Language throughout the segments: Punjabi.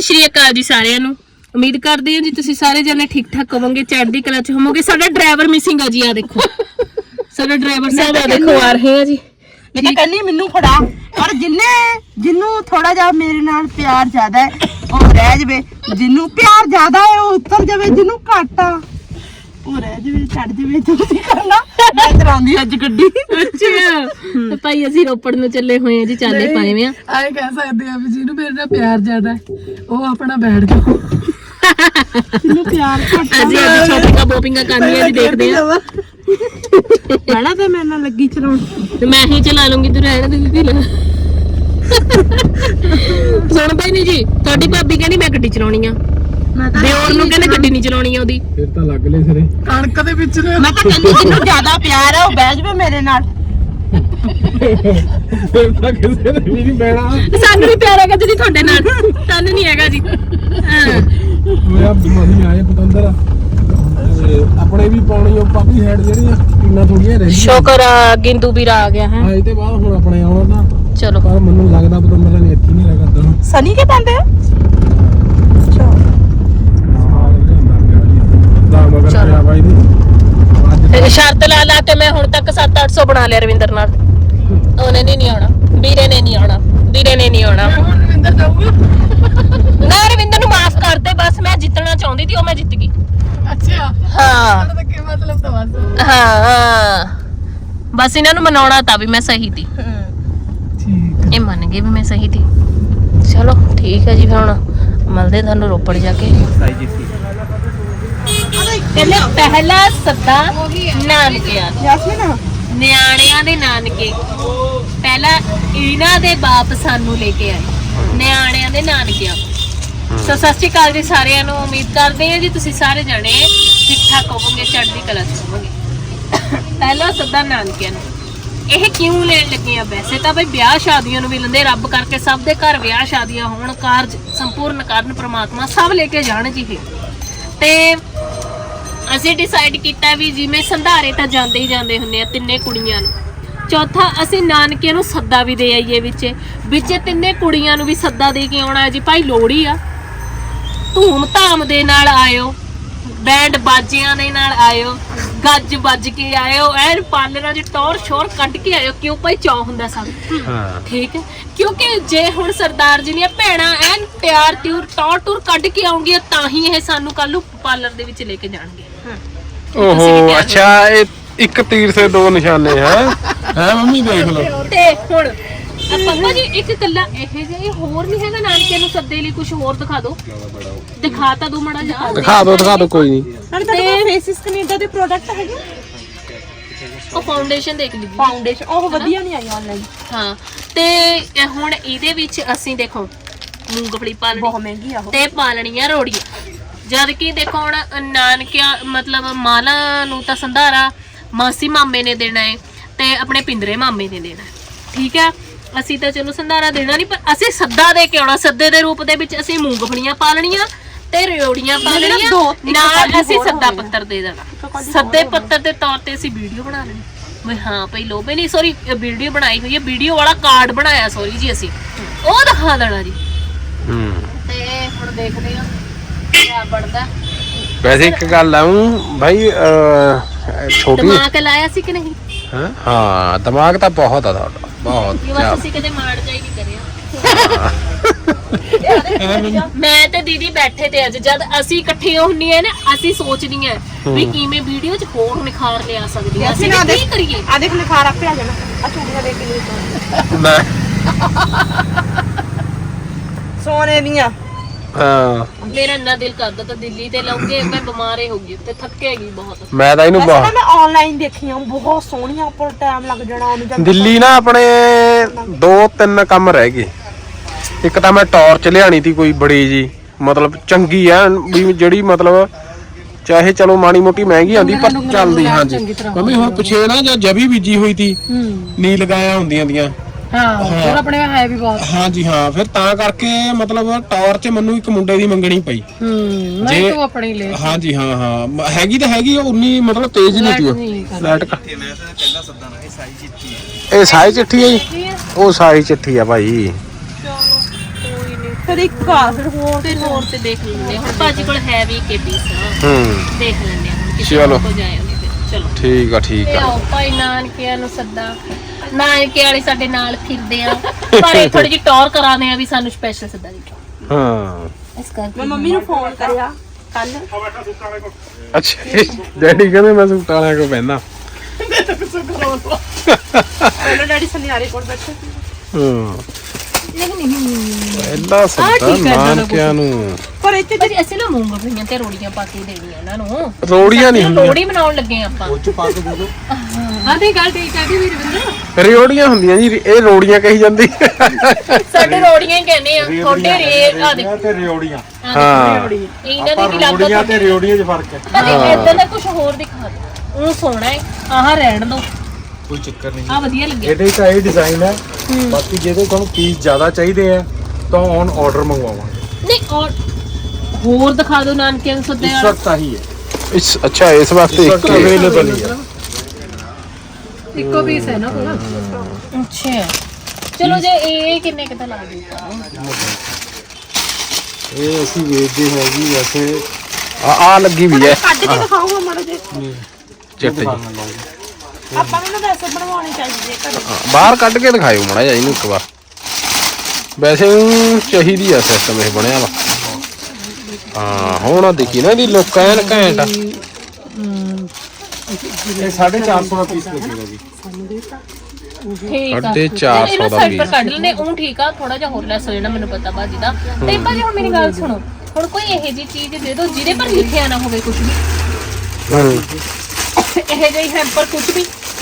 ਸ਼੍ਰੀ ਅਕਾਲ ਜੀ ਸਾਰਿਆਂ ਨੂੰ। ਉਮੀਦ ਕਰਦੇ ਹਾਂ ਜੀ ਤੁਸੀਂ ਸਾਰੇ ਜਣੇ ਠੀਕ ਠਾਕ ਹੋਵੋਗੇ, ਚੜ੍ਹਦੀ ਕਲਾ ਚ ਹੋਵੋਗੇ। ਸਾਡਾ ਡਰਾਈਵਰ ਮਿਸਿੰਗ ਆ ਜੀ, ਆ ਦੇਖੋ ਸਾਡਾ ਡਰਾਈਵਰ ਸਾਹਿਬ ਆ ਦੇਖੋ ਆ ਰਹੇ ਆ ਜੀ। ਮੈਂ ਤਾਂ ਕਹਿੰਦੀ ਮੈਨੂੰ ਫੜਾ, ਪਰ ਜਿੰਨੂੰ ਥੋੜਾ ਜਿਹਾ ਮੇਰੇ ਨਾਲ ਪਿਆਰ ਜ਼ਿਆਦਾ ਹੈ ਉਹ ਰਹਿ ਜਵੇ, ਜਿੰਨੂੰ ਪਿਆਰ ਜ਼ਿਆਦਾ ਹੈ ਉਹ ਉੱਤਰ ਜਾਵੇ, ਜਿੰਨੂੰ ਘੱਟ ਆ ਉਹ ਰਹਿ ਜਵੇ, ਛੱਡ ਜਵੇ। ਤੁਸੀਂ ਕਰਨਾ, ਮੈਂ ਚਲਾਉਂਦੀ ਅੱਜ ਗੱਡੀ। ਅੱਛਾ ਤੇ ਭਾਈ ਅਸੀਂ ਰੋਪੜ ਨੂੰ ਚੱਲੇ ਹੋਏ ਆ ਜੀ, ਚਾਲੇ ਪਾਏ ਵੇ ਆ। ਆਏ ਕਹਿ ਸਕਦੇ ਆ ਵੀ ਜਿਹਨੂੰ ਮੇਰੇ ਨਾਲ ਪਿਆਰ ਜ਼ਿਆਦਾ ਹੈ ਉਹ ਆਪਣਾ ਬੈਠ ਜਾਓ, ਜਿੰਨੂੰ ਪਿਆਰ ਘੱਟ ਅਸੀਂ ਅੱਜ ਸ਼ਾਪਿੰਗਾਂ ਬੋਪਿੰਗਾਂ ਕਰਨੀਆਂ ਜੀ, ਦੇਖਦੇ ਆ। ਪਹਿਲਾਂ ਤਾਂ ਮੇਰੇ ਨਾਲ ਲੱਗੀ ਚਲਾਉਣ, ਤੇ ਮੈਂ ਹੀ ਚਲਾ ਲੂੰਗੀ, ਤੂੰ ਰਹਿਣ ਦੇ ਦੀਦੀ। ਸੁਣਦਾ ਹੀ ਨਹੀਂ ਜੀ, ਤੁਹਾਡੀ ਭਾਬੀ ਕਹਿੰਦੀ ਮੈਂ ਗੱਡੀ ਚਲਾਉਣੀ ਆ, ਦਿਓਰ ਨੂੰ ਕਹਿੰਦੇ ਗੱਡੀ ਨਹੀਂ ਚਲਾਉਣੀ ਆ ਉਹਦੀ। ਫਿਰ ਤਾਂ ਲੱਗ ਲੈ ਸਿਰੇ ਕਣਕ ਦੇ ਵਿੱਚ ਨੇ। ਮੈਂ ਤਾਂ ਕਹਿੰਦੀ ਜਿੰਨੂੰ ਜ਼ਿਆਦਾ ਪਿਆਰ ਹੈ ਉਹ ਬਹਿ ਜਵੇ ਮੇਰੇ ਨਾਲ। ਫਿਰ ਤਾਂ ਕਿਸੇ ਨੇ ਵੀ ਨਹੀਂ ਬਹਿਣਾ। ਸਾਨੂੰ ਵੀ ਪਿਆਰ ਹੈਗਾ ਜੀ ਤੁਹਾਡੇ ਨਾਲ, ਤੁਹਾਨੂੰ ਨਹੀਂ ਹੈਗਾ ਜੀ। ਮੇਰਾ ਮਸੀਂ ਆਏ ਪਤੰਦਰ ਆਪਣੇ ਵੀ ਪਾਉਣੀ, ਉਹ ਪਾਪੀ ਹੈਡ ਜਿਹੜੀਆਂ ਟੀਨਾਂ ਥੋੜੀਆਂ ਰਹਿੰਦੀਆਂ। ਸ਼ੁਕਰ ਆ ਗਿੰਦੂ ਵੀਰ ਆ ਗਿਆ ਹੈ। ਆਏ ਤੇ ਬਾਅਦ ਹੁਣ ਆਪਣੇ ਆਉਣਾ ਤਾਂ ਚਲੋ ਪਰ ਮੈਨੂੰ ਲੱਗਦਾ ਪਤੰਦਰ ਨੇ ਇੱਥੇ ਨਹੀਂ ਰਹਿ ਕਰਦਾ। ਸਨੀ ਕੇ ਪਾਉਂਦੇ ਆ ਚਲੋ ਬਾਈ ਦੀ ਸ਼ਰਤ ਲਾ ਕੇ ਮੈਂ ਹੁਣ ਤੱਕ 700-800 ਬਣਾ ਲਿਆ ਰਵਿੰਦਰ ਨਾਲ। ਉਹਨੇ ਨਹੀਂ ਆਉਣਾ, ਵੀਰੇ ਨੇ ਨਹੀਂ ਆਉਣਾ, ਵੀਰੇ ਨੇ ਨਹੀਂ ਆਉਣਾ। ਹੁਣ ਰਵਿੰਦਰ ਜਾਊਗਾ। ਨਾ ਰਵਿੰਦਰ ਨੂੰ ਮਾਫ ਕਰ ਦੇ, ਬਸ ਮੈਂ ਜਿੱਤਣਾ ਚਾਹੁੰਦੀ ਸੀ, ਉਹ ਮੈਂ ਜਿੱਤ ਗਈ। ਅੱਛਾ ਹਾਂ ਤਾਂ ਕੀ ਮਤਲਬ ਤਾਂ ਬਸ ਹਾਂ, ਬਸ ਇਹਨਾਂ ਨੂੰ ਮਨਾਉਣਾ ਤਾਂ ਵੀ ਮੈਂ ਸਹੀ ਸੀ। ਠੀਕ ਇਹ ਮੰਨ ਗਏ ਵੀ ਮੈਂ ਸਹੀ ਸੀ। ਚਲੋ ਠੀਕ ਹੈ ਜੀ, ਫਿਰ ਹੁਣ ਮਿਲਦੇ ਤੁਹਾਨੂੰ ਰੋਪੜ ਜਾ ਕੇ। ਕਹਿੰਦੇ ਪਹਿਲਾ ਸੱਦਾ ਨਾਨਕਿਆਂ ਦਾ। ਯਾਸਮੀਨ ਨਿਆਣਿਆਂ ਦੇ ਨਾਨਕੇ ਪਹਿਲਾਂ ਇਹਨਾਂ ਦੇ ਬਾਪ ਸਾਨੂੰ ਲੈ ਕੇ ਆਏ, ਨਿਆਣਿਆਂ ਦੇ ਨਾਨਕਿਆਂ। ਸੋ ਸਤਿ ਸ਼੍ਰੀ ਅਕਾਲ ਜੀ ਸਾਰਿਆਂ ਨੂੰ। ਉਮੀਦ ਕਰਦੇ ਹਾਂ ਜੀ ਤੁਸੀਂ ਸਾਰੇ ਜਣੇ ਠੀਕ ਠਾਕ ਹੋਵੋਗੇ, ਚੜ੍ਹਦੀ ਕਲਾ ਚ ਹੋਵੋਗੇ। ਪਹਿਲਾ ਸੱਦਾ ਨਾਨਕਿਆਂ ਨੂੰ। ਇਹ ਕਿਉਂ ਲੈਣ ਲੱਗੇ ਆ? ਵੈਸੇ ਤਾਂ ਬਈ ਵਿਆਹ ਸ਼ਾਦੀਆਂ ਨੂੰ ਵੀ ਲੈਂਦੇ, ਰੱਬ ਕਰਕੇ ਸਭ ਦੇ ਘਰ ਵਿਆਹ ਸ਼ਾਦੀਆਂ ਹੋਣ, ਕਾਰਜ ਸੰਪੂਰਨ ਕਰਨ ਪ੍ਰਮਾਤਮਾ, ਸਭ ਲੈ ਕੇ ਜਾਣ ਜੀ। ਇਹ ਤੇ ਅਸੀਂ ਡਿਸਾਈਡ ਕੀਤਾ ਵੀ ਜਿਵੇਂ ਸੰਧਾਰੇ ਤਾਂ ਜਾਂਦੇ ਹੀ ਜਾਂਦੇ ਹੁੰਦੇ ਆ ਤਿੰਨੇ ਕੁੜੀਆਂ ਨੂੰ, ਚੌਥਾ ਅਸੀਂ ਨਾਨਕਿਆਂ ਨੂੰ ਸੱਦਾ ਵੀ ਦੇ ਆਈਏ ਵਿੱਚ ਤਿੰਨੇ ਕੁੜੀਆਂ ਨੂੰ ਵੀ ਸੱਦਾ ਦੇ ਕੇ ਆਉਣਾ ਜੀ। ਭਾਈ ਲੋਹੜੀ ਆ, ਧੂਮ ਧਾਮ ਦੇ ਨਾਲ ਆਇਓ, ਬੈਂਡ ਬਾਜਿਆਂ ਦੇ ਨਾਲ ਆਇਓ, ਗੱਜ ਵੱਜ ਕੇ ਆਇਓ, ਐਨ ਪਾਲਰਾਂ ਦੀ ਟੌਰ ਸ਼ੋਰ ਕੱਢ ਕੇ ਆਇਓ। ਕਿਉਂ ਭਾਈ ਚਾਅ ਹੁੰਦਾ ਸਭ, ਠੀਕ ਹੈ? ਕਿਉਂਕਿ ਜੇ ਹੁਣ ਸਰਦਾਰ ਜੀ ਦੀਆਂ ਭੈਣਾਂ ਐਨ ਤਿਆਰ ਤਿਉਰ ਟੌਰ ਟੂਰ ਕੱਢ ਕੇ ਆਉਂਗੀਆਂ ਤਾਂ ਹੀ ਇਹ ਸਾਨੂੰ ਕੱਲ ਨੂੰ ਪਾਰਲਰ ਦੇ ਵਿੱਚ ਲੈ ਕੇ ਜਾਣਗੇ। ਓਹੋ ਅੱਛਾ, ਇਹ ਇੱਕ ਤੀਰ ਸੇ ਦੋ ਨਿਸ਼ਾਨੇ ਹੈ ਮੰਮੀ ਦੇਖ ਲਓ। ਤੇ ਹੁਣ ਪਪਾ ਜੀ ਇੱਕ ਕੱਲਾ ਇਹ ਜਿਹੇ ਹੋਰ ਨਹੀਂ ਹੈਗਾ ਨਾਨਕਿਆਂ ਨੂੰ ਸੱਦੇ ਲਈ? ਕੁਝ ਹੋਰ ਦਿਖਾ ਦਿਓ, ਦਿਖਾ ਤਾਂ ਦੋ ਮੜਾ ਜਾ। ਦਿਖਾ ਦੋ ਕੋਈ ਨਹੀਂ। ਤੇ ਫੇਸਿਸ ਕੈਨੇਡਾ ਦੇ ਪ੍ਰੋਡਕਟ ਹੈਗੇ, ਉਹ ਫਾਊਂਡੇਸ਼ਨ ਦੇਖ ਲਈ, ਫਾਊਂਡੇਸ਼ਨ ਉਹ ਵਧੀਆ ਨਹੀਂ ਆਈ ਆਨਲਾਈਨ। ਹਾਂ ਤੇ ਹੁਣ ਇਹਦੇ ਵਿੱਚ ਅਸੀਂ ਦੇਖੋ ਮੂੰਗਫਲੀ ਪਾਲਣੀ, ਬਹੁਤ ਮਹਿੰਗੀ ਆ ਉਹ, ਤੇ ਪਾਲਣੀਆਂ ਰੋੜੀਆਂ। ਜਦ ਕਿ ਦੇਖੋ ਹੁਣ ਨਾਨਕਿਆਂ ਮਤਲਬ ਮਾਲਾ ਨੂੰ ਤਾਂ ਸੰਧਾਰਾ ਮਾਸੀ ਮਾਮੇ ਨੇ ਦੇਣਾ ਹੈ ਤੇ ਆਪਣੇ ਪਿੰਦਰੇ ਮਾਮੇ ਨੇ ਦੇਣਾ, ਠੀਕ ਹੈ? ਅਸੀਂ ਤਾਂ ਚਲੋ ਸੰਧਾਰਾ ਦੇਣਾ ਨਹੀਂ, ਪਰ ਅਸੀਂ ਸੱਦਾ ਦੇ ਕੇ ਆਉਣਾ। ਸੱਦੇ ਦੇ ਰੂਪ ਦੇ ਵਿੱਚ ਅਸੀਂ ਮੂੰਗਫਲੀਆਂ ਪਾਲਣੀਆਂ ਤੇ ਰਿਓੜੀਆਂ ਪਾਲਣੀਆਂ, ਨਾਲ ਅਸੀਂ ਸੱਦਾ ਪੱਤਰ ਦੇ ਦੇਣਾ। ਸੱਦੇ ਪੱਤਰ ਦੇ ਤੌਰ ਤੇ ਅਸੀਂ ਵੀਡੀਓ ਬਣਾ ਲੈਣੀ ਵੀ ਹਾਂ ਭਾਈ ਲੋਬੇ ਨਹੀਂ, ਸੌਰੀ ਵੀਡੀਓ ਬਣਾਈ ਹੋਈ ਹੈ, ਵੀਡੀਓ ਵਾਲਾ ਕਾਰਡ ਬਣਾਇਆ ਸੌਰੀ ਜੀ ਅਸੀਂ, ਉਹ ਦਿਖਾ ਦੇਣਾ ਜੀ। ਤੇ ਹੁਣ ਦੇਖਦੇ ਹਾਂ ਕਿਆ ਬਣਦਾ। ਵੈਸੇ ਇੱਕ ਗੱਲ ਆਉਂ ਭਾਈ, ਛੋਟੀ ਦਿਮਾਗ ਲਾਇਆ ਸੀ ਕਿ ਨਹੀਂ? ਹਾਂ ਦਿਮਾਗ ਤਾਂ ਬਹੁਤ ਆ ਤੁਹਾਡਾ, ਬਹੁਤ ਇਹ ਵਾਰ ਤੁਸੀਂ ਕਦੇ ਮਾਰ ਜਾਈ ਨਹੀਂ ਕਰਿਆ। ਮੈਂ ਤੇ ਦੀਦੀ ਬੈਠੇ ਤੇ ਅੱਜ ਜਦ ਅਸੀਂ ਇਕੱਠੇ ਹੁੰਨੀਆਂ ਨਾ, ਅਸੀਂ ਸੋਚਦੀਆਂ ਵੀ ਕਿਵੇਂ ਵੀਡੀਓ 'ਚ ਹੋਰ ਨਿਖਾਰ ਲਿਆ ਸਕਦੀ ਆ, ਅਸੀਂ ਕੀ ਕਰੀਏ। ਆ ਦੇਖ ਨਿਖਾਰ ਆਪੇ ਆ ਜਾਣਾ। ਆ ਚੂੜੀਆਂ ਦੇਖ ਕੇ ਸੋਨੇ ਦੀਆਂ। ਹਾਂ ਮੇਰਾ ਇੰਨਾ ਦਿਲ ਕਰਦਾ ਤਾਂ ਦਿੱਲੀ ਤੇ ਲਾਉਂਗੇ, ਮੈਂ ਬਿਮਾਰੇ ਹੋ ਗਈ ਤੇ ਥੱਕੇਗੀ ਬਹੁਤ। ਮੈਂ ਤਾਂ ਇਹਨੂੰ ਵੈਸੇ ਮੈਂ ਆਨਲਾਈਨ ਦੇਖੀਆਂ ਬਹੁਤ ਸੋਹਣੀਆਂ, ਉੱਪਰ ਟਾਈਮ ਲੱਗ ਜਾਣਾ ਉਹਨੂੰ। ਦਿੱਲੀ ਨਾ ਆਪਣੇ 2-3 ਕੰਮ ਰਹਿ ਗਏ। ਇੱਕ ਤਾਂ ਮੈਂ ਟਾਰਚ ਲਿਆਣੀ ਤੀ ਕੋਈ ਬੜੀ ਜੀ, ਮਤਲਬ ਚੰਗੀ ਆ ਵੀ ਜਿਹੜੀ ਮਤਲਬ ਚਾਹੇ ਚਲੋ ਮਾੜੀ ਮੋਟੀ ਮਹਿੰਗੀ ਆਉਂਦੀ ਪਰ ਚੱਲਦੀ। ਹਾਂਜੀ ਮੰਮੀ ਹੁਣ ਪਿਛੇ ਨਾ ਜਾਂ ਜਵੀ ਬੀਜੀ ਹੋਈ ਤੀ, ਨੀ ਲਗਾਇਆ ਹੁੰਦੀਆਂ ਦੀਆਂ। ਹਾਂ ਹੋਰ ਆਪਣੇ ਹੈ ਵੀ ਬਹੁਤ। ਹਾਂਜੀ ਹਾਂ, ਫਿਰ ਤਾਂ ਕਰਕੇ ਮਤਲਬ ਟਾਰਚ ਮੈਨੂੰ ਇੱਕ ਮੁੰਡੇ ਦੀ ਮੰਗਣੀ ਪਈ। ਨਹੀਂ ਤੂੰ ਆਪਣੀ ਲੈ। ਹਾਂਜੀ ਹਾਂ ਹੈਗੀ ਤਾਂ ਹੈਗੀ, ਉਨੀ ਮਤਲਬ ਤੇਜ਼ ਨਹੀਂ ਤੀ ਲਾਈਟ। ਇਹ ਸਾਈ ਚਿੱਠੀ ਹੈ ਜੀ, ਉਹ ਸਾਈ ਚਿੱਠੀ ਆ ਭਾਈ। ਫਿਰ ਫਿਰ ਇੱਕ ਆ ਫਿਰ ਹੋਰ ਫਿਰ ਹੋਰ ਤੇ ਦੇਖ ਲੈਂਦੇ ਹਾਂ। ਹੁਣ ਭਾਜੀ ਕੋਲ ਹੈ ਵੀ ਕੇ ਪੀਸ ਦੇਖ ਲੈਂਦੇ ਹਾਂ ਹੁਣ ਕਿਸੇ ਚਲੋ। ਕੋ ਜਾਏ ਚਲੋ ਠੀਕ ਆ ਠੀਕ ਤੇ ਆ ਆਓ ਭਾਈ ਨਾਨਕਿਆਂ ਨੂੰ ਸੱਦਾ ਨਾਨਕੇ ਵਾਲੇ ਸਾਡੇ ਨਾਲ ਫਿਰਦੇ ਆ ਪਰ ਇਹ ਥੋੜੀ ਜਿਹੀ ਟੌਰ ਕਰਾਉਂਦੇ ਆ ਵੀ ਸਾਨੂੰ ਸਪੈਸ਼ਲ ਸੱਦਾ ਦਿੱਤਾ ਹਾਂ ਇਸ ਕਰਕੇ ਮੈਂ ਮੰਮੀ ਨੂੰ ਫੋਨ ਕਰਿਆ ਕੱਲ ਅੱਛਾ ਡੈਡੀ ਕਹਿੰਦੇ ਮੈਂ ਸੂਟ ਵਾਲਿਆਂ ਕੋ ਬਹਿੰਦਾ ਪਹਿਲਾਂ ਡੈਡੀ ਸੁਨਿਆਰੇ ਕੋਲ ਬੈਠੇ ਸੀ ਹਾਂ ਨਹੀਂ ਪਹਿਲਾ ਸੱਦਾ ਠੀਕ ਹੈ, ਏਦਾਂ ਦਾ ਨਾਨਕਿਆਂ ਨੂੰ ਪਰ ਇੱਥੇ ਭਾਜੀ ਅਸੀਂ ਨਾ ਮੂੰਗਫਲੀਆਂ ਤੇ ਰੋੜੀਆਂ ਪਾ ਕੇ ਦੇਣੀਆਂ ਉਹਨਾਂ ਨੂੰ ਰੋੜੀਆਂ ਨਹੀਂ ਹੁੰਦੀਆਂ ਲੋੜੀ ਬਣਾਉਣ ਲੱਗੇ ਆਪਾਂ ਹਾਂ ਤੇ ਗੱਲ ਠੀਕ ਹੈ ਜੀ ਵੀਰਵਿੰਦਰ ਰਿਓੜੀਆਂ ਹੁੰਦੀਆਂ ਜੀ ਇਹ ਰੋੜੀਆਂ ਕਹੀ ਜਾਂਦੀ ਸਾਡੇ ਰੋੜੀਆਂ ਹੀ ਕਹਿੰਦੇ ਆ ਥੋੜੇ ਰੇ ਆ ਦੇਖੋ ਤੇ ਰਿਓੜੀਆਂ ਹਾਂ ਇਹਨਾਂ ਦੀ ਕੀ ਲੱਗਦਾ ਰਿਓੜੀਆਂ ਤੇ ਰਿਓੜੀਆਂ 'ਚ ਫਰਕ ਹੈ ਭਾਜੀ ਇਦਾਂ ਦਾ ਕੁਝ ਹੋਰ ਦਿਖਾ ਦਿਓ ਉਹ ਸੋਹਣਾ ਹੈ ਆਹ ਰਹਿਣ ਦੋ ਕੋਈ ਚੱਕਰ ਨਹੀਂ ਆ ਵਧੀਆ ਲੱਗਿਆ ਇਹਦੇ ਤਾਂ ਇਹ ਡਿਜ਼ਾਈਨ ਹੈ ਬਾਕੀ ਜੇ ਤੁਹਾਨੂੰ ਪੀਸ ਜ਼ਿਆਦਾ ਚਾਹੀਦੇ ਆ ਤਾਂ ਔਨ ਆਰਡਰ ਮੰਗਵਾਵਾਂਗੇ ਨਹੀਂ ਔਰ ਹੋਰ ਦਿਖਾ ਦਿਓ ਨਾਨਕਿਆਂ ਨੂੰ ਸੱਦੇ ਇਸ ਵਾਲਾ ਵਕਤ ਆਹੀ ਹੈ ਇਸ ਅੱਛਾ ਇਸ ਵਾਸਤੇ ਇਸ ਇੱਕ ਵਕਤ ਅਵੇਲੇਬਲ ਹੀ ਹੈ ਇੱਕੋ ਪੀਸ ਹੈ ਨਾ ਕੋਲ ਅੱਛਾ ਚਲੋ ਜੇ ਇਹ ਕਿੰਨੇ ਕਿਤਾ ਲਾ ਦਿੱਤਾ ਇਹ ਅਸੀਂ ਵੇਚਦੇ ਹੈ ਜੀ ਵੈਸੇ ਆ ਲੱਗੀ ਵੀ ਹੈ ਕੱਢ ਕੇ ਦਿਖਾਉਂਗਾ ਮਾੜਾ ਜਿਹਾ ਚਿੱਟ ਜੀ ਆਪਾਂ ਨੂੰ ਨਾ ਵੈਸੇ ਬਣਵਾਉਣੀ ਚਾਹੀਦੀ ਹੈ ਘਰੇ ਬਾਹਰ ਕੱਢ ਕੇ ਦਿਖਾਇਓ ਮੜਾ ਜਾ ਇਹਨੂੰ ਇੱਕ ਵਾਰ ਵੈਸੇ ਊਂ ਚਾਹੀਦੀ ਆ ਸਿਸਟਮ ਇਹ ਬਣਿਆ ਵਾ ਹਾਂ ਹੁਣ ਦੇਖੀ ਨਾ ਇਹਦੀ ਲੁੱਕ ਐਨ ਘੈਂਟ ਆ ਇਹ 450 ਦਾ ਪੀਸ ਲੱਗੇਗਾ ਜੀ ਠੀਕ ਆ 450 ਦਾ ਸਾਈਡ ਪਰ ਪੀਸ ਕੱਢ ਲੈਣੇ ਉਹ ਠੀਕ ਆ ਥੋੜਾ ਜਿਹਾ ਹੋਰ ਲੈਸ ਹੋ ਜਾਣਾ ਮੈਨੂੰ ਪਤਾ ਬਾਜੀ ਦਾ ਤੇ ਭਾਜੀ ਹੁਣ ਮੇਰੀ ਗੱਲ ਸੁਣੋ ਹੁਣ ਕੋਈ ਇਹੋ ਜਿਹੀ ਚੀਜ਼ ਦੇ ਦਿਓ ਜਿਹਦੇ ਪਰ ਲਿਖਿਆ ਨਾ ਹੋਵੇ ਕੁਝ ਵੀ ਇਹੋ ਜਿਹੀ ਹੈਂਪਰ ਕੁਝ ਵੀ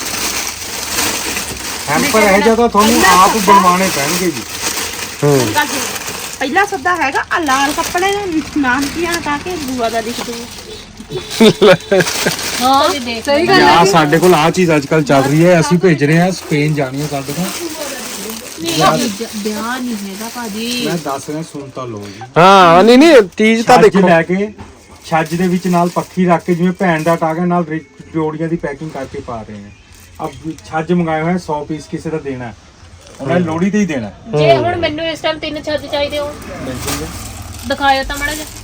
ਹੈਂਪਰ ਇਹ ਜਿਆਦਾ ਤੁਹਾਨੂੰ ਆਪ ਬਣਵਾਉਣੇ ਪੈਣਗੇ ਜੀ ਗੱਲ ਸੁਣੋ। ਪਹਿਲਾ ਸੱਦਾ ਹੈਗਾ ਆ ਲਾਲ ਕੱਪੜੇ ਦੇ ਨਾਨਕੀਆਂ ਕਾ ਕੇ ਬੂਆ ਦਾ ਲਿਖ ਦੋ ਹਾਂ ਜੀ ਦੇਖ ਸਹੀ ਗੱਲ ਆ ਸਾਡੇ ਕੋਲ ਆ ਚੀਜ਼ ਅੱਜ ਕੱਲ ਚੱਲ ਰਹੀ ਹੈ ਅਸੀਂ ਭੇਜ ਰਹੇ ਹਾਂ ਸਪੇਨ ਜਾਣੀ ਹੈ ਸਾਡੇ ਕੋਲ ਵਿਆਹ ਨਹੀਂ ਹੈਗਾ ਭਾਜੀ ਮੈਂ ਦੱਸ ਰਿਹਾ ਸੁਣ ਤਾਂ ਲਓ ਜੀ ਹਾਂ ਨਹੀਂ ਨਹੀਂ ਚੀਜ਼ ਤਾਂ ਛੱਜ ਦੇਖੋ ਲੈ ਕੇ ਛੱਜ ਦੇ ਵਿੱਚ ਨਾਲ ਪੱਖੀ ਰੱਖ ਕੇ ਜਿਵੇਂ ਭੈਣ ਦਾ ਟਾਗਾ ਨਾਲ ਰਿਓੜੀਆਂ ਦੀ ਪੈਕਿੰਗ ਕਰਕੇ ਪਾ ਰਹੇ ਹਾਂ ਅਬ ਛੱਜ ਮੰਗਾਏ ਹੋਏ 100 ਪੀਸ ਕਿਸੇ ਦਾ ਦੇਣਾ ਉਹਨਾਂ ਲੋੜੀ ਤੇ ਹੀ ਦੇਣਾ ਜੇ ਹੁਣ ਮੈਨੂੰ ਇਸ ਟਾਈਮ 3 ਛੱਜ ਚਾਹੀਦੇ ਹੋ ਦਿਖਾਇਓ ਤਾਂ ਮਾੜਾ ਜਿਹਾ